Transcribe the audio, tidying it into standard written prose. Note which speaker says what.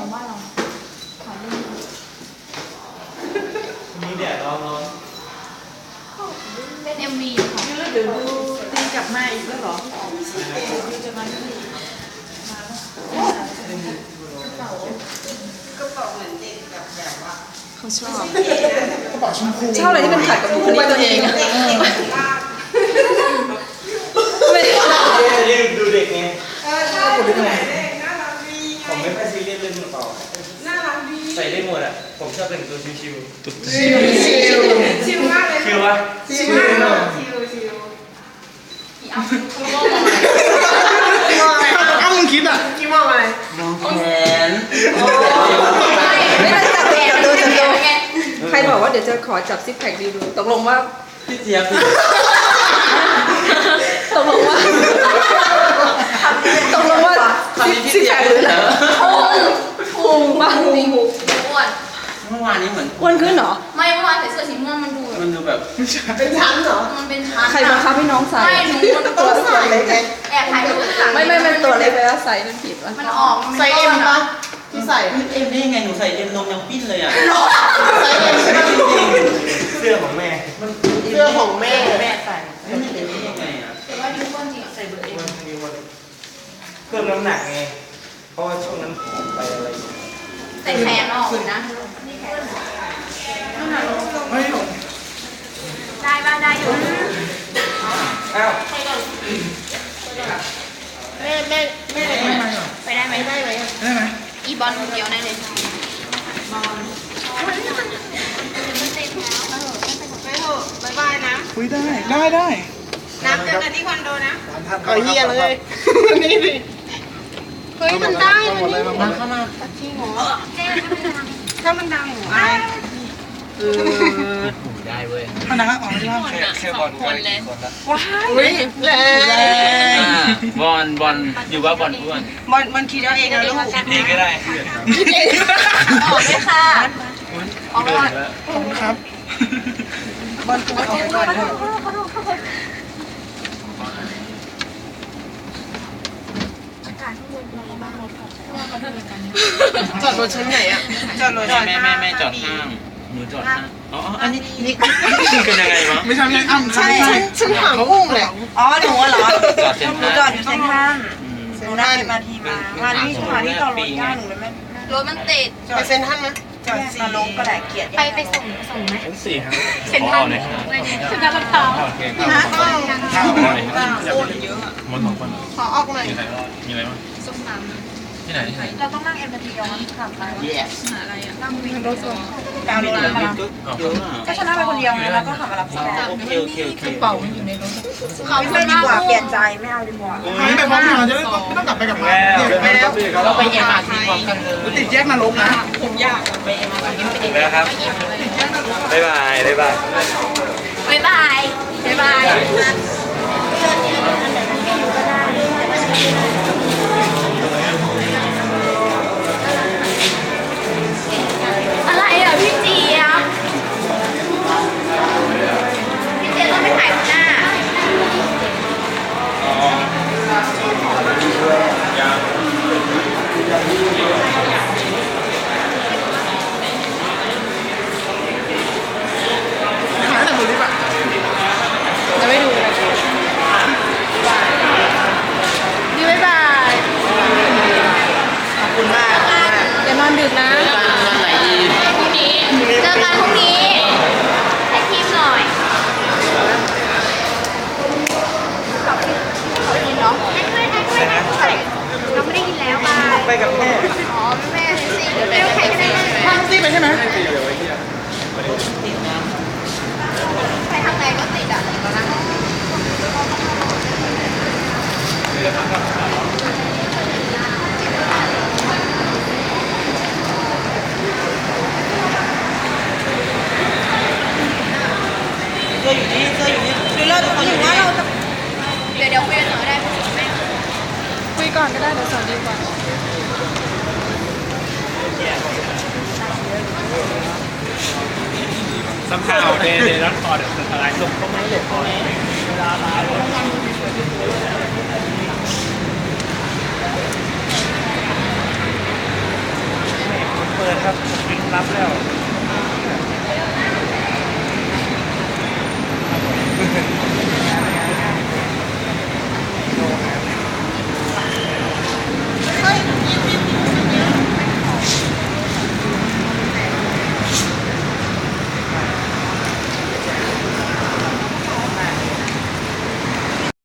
Speaker 1: ของบ้านเราขอเล่น
Speaker 2: มีแดดร้อน
Speaker 1: เป็น MV ค่ะ
Speaker 3: เดี๋ยวดูตีกลับมาอีกแล้วเหรอจะมาที่ก็บอกเหมือนเด็กแบบว่าเขาชอบ
Speaker 4: กระเป๋าชมพู
Speaker 3: ชอบอะไรที่มันขัดกับบุคลิกตัวเองอะ
Speaker 2: ไม่ดูเด็กไง
Speaker 3: ชอบบุคลิกอะไรน่ารักดี
Speaker 2: ผมไม่ค่อยซีเรียสเรื่องกระเป๋า
Speaker 3: น่ารักดี
Speaker 2: ใส่ได้หมดอ่ะผมชอบแต่งตัวชิว
Speaker 3: ชิวมากเลย
Speaker 2: ๆชิววะ
Speaker 3: ชิวมากชิว
Speaker 1: กี่อัพกี่โมงอะไร
Speaker 4: อ้าวมึงคิดอ่ะ
Speaker 3: กี่โมงอะไร
Speaker 2: น้องแขน
Speaker 3: ไม่ได้จับดูใครบอกว่าเดี๋ยวจะขอจับซิกแพคดูตกลงว่า
Speaker 2: พี่เจี๊ยบ
Speaker 3: ตกลงว่าซิกแพคหรืออะไรพุงบ้างจริง
Speaker 1: อ้วน
Speaker 2: เมื่อวานนี้เหมือน
Speaker 3: อ้วนขึ้นเหรอ
Speaker 1: ไม่เมื่อวานใส่เสื้อสีม่วงมันดู
Speaker 2: แบบ
Speaker 3: เป็นชั้นเหรอ
Speaker 1: มันเป็นชั้น
Speaker 3: ใครบังคับให้น้องใส่
Speaker 1: ไม่หนูมัน
Speaker 3: ตัวเล็ก
Speaker 1: แอบถ่ายรูปหลัง
Speaker 3: ไม่ตัวเล็กไปแล้วใส่มันผิดวะ
Speaker 1: มันออก
Speaker 3: ใส่เอ็มปะที่ใส่
Speaker 2: เอ็มได้ยังไงหนูใส่เอ็มนมยังปิ้นเลยอ่ะ
Speaker 3: ใส่เอ็ม
Speaker 2: เสื้อของแม่
Speaker 3: เสื้อของแม่ใส่
Speaker 2: ไม่เอ็มได้ยังไงอ่ะ
Speaker 1: แต่ว่าดูก้อนจริงใส่เบอร์เอ็ม
Speaker 2: เพิ่มน้ำหนักไงเพราะว่าช่วงนั้นผอมไปอะไร
Speaker 1: ใส่แขนออกนะนี่แขน
Speaker 4: ไม่หรอก
Speaker 1: ได้บ้างได้อยู่
Speaker 2: อ้าว
Speaker 1: แม่ไปได้ไหม
Speaker 4: ได้ไหม
Speaker 1: อีบอลคนเดียวได้เลยบอลไม่เต็มแล้ว
Speaker 3: ไปเถอะบ๊ายบายนะ
Speaker 4: คุยได้
Speaker 3: น้ำเจอกันที่คอนโดนะเอาเฮียเลยนี่ดิเฮ้ยมันได้มันเข้ามาจริงเหรอถ้ามันดังหนูอาย
Speaker 2: ได้เว้ย
Speaker 4: มันนะครับอ๋อไม่ใช่
Speaker 2: แค่บอลคนเลย
Speaker 3: ว้ายแรง
Speaker 2: บอลอยู่ว่าบอลอ้วน
Speaker 3: มันคิดเอาเองนะลูก
Speaker 2: เองก็ได้
Speaker 1: ออกเลยค่ะออกก่อน
Speaker 4: ขอบคุณครับ
Speaker 3: บอลตัวออกก่อนจอดรถชั้นไหนอ่ะจอดรถ
Speaker 2: ไม่จอดห้างหนูจอดห้างอ๋ออันนี้เป็นยังไงวะ
Speaker 4: ไม่ใช่อ้ำ
Speaker 3: ใช่ฉันถามอุ้งเลยอ๋อหนูเหรอหนูจอดอยู่เซ็นทรัลหนูนั่งมาทีมาที่จอดรถย่าหนูเลยไหม
Speaker 1: รถมันติด
Speaker 3: ไปเซ็นทรัลไหมจอดสี่ลงก็ได้เกียรติ
Speaker 1: ไปส่งไหม
Speaker 2: ชั้น4ครับ
Speaker 1: เซ็นทรัลเซ็นทรัลลาดพร้าว
Speaker 3: นะโอนเยอะ
Speaker 4: มันของคน
Speaker 3: ขอออกหน่อย
Speaker 4: มีอะไรบ้าง
Speaker 1: ส้มตำ
Speaker 4: ที่ไหน
Speaker 1: เราต้องนั่งMRTย้อนขับไปหาอะไรอ่ะนั่งวินรถส่ง
Speaker 3: ดาวรถมาก็ชนะไปคนเดียวไงแล้วก็ขับมารับพี่
Speaker 2: โอเค
Speaker 3: กระเป๋ามันอยู่ในรถเขาไม่ดีกว่าเปลี่ยนใจไม่เอาดีกว่า
Speaker 4: ไม่ไปพร้อมกันจะไม่ต้องกลับไปกับมา
Speaker 2: เราไปMRTพร้อมกันเลย
Speaker 4: ติดแยกนรกนะ
Speaker 3: ผมอยาก
Speaker 2: ไปMRTไปแล้วครับบ๊ายบาย
Speaker 1: อะไรอ่ะพี่เจี๊ยบต้องไปถ่ายหน้า
Speaker 4: หายแต่บุรีป่ะ
Speaker 3: จะไม่ดูเลยดีบ๊ายบายขอบคุณมากอย่านอนดึกนะ
Speaker 1: พรุ่งนี้เจอกันพรุ่งนี้ให้ทีมหน่อยขอบคุณเนาะเราไม่ได้ยินแล้ว
Speaker 2: ไปกับแม่
Speaker 1: อ๋อแม่สิเดี๋ยวใครก็ได้
Speaker 4: ทางซีไปใช่ไหม
Speaker 1: ใครทางไหนก็ติดอ่ะตอนนั้น
Speaker 3: เสื้ออยู่นี่คือเราถึงว่าเราจะ
Speaker 1: เดี๋ยวคุยกันหน่อยได้ไหม
Speaker 3: คุยก่อนก็ได้เดี๋ยวสอนดีกว่า
Speaker 2: somehow they not call it อะไรลงก็ไม่เลยพอเวลาลารับแล้ว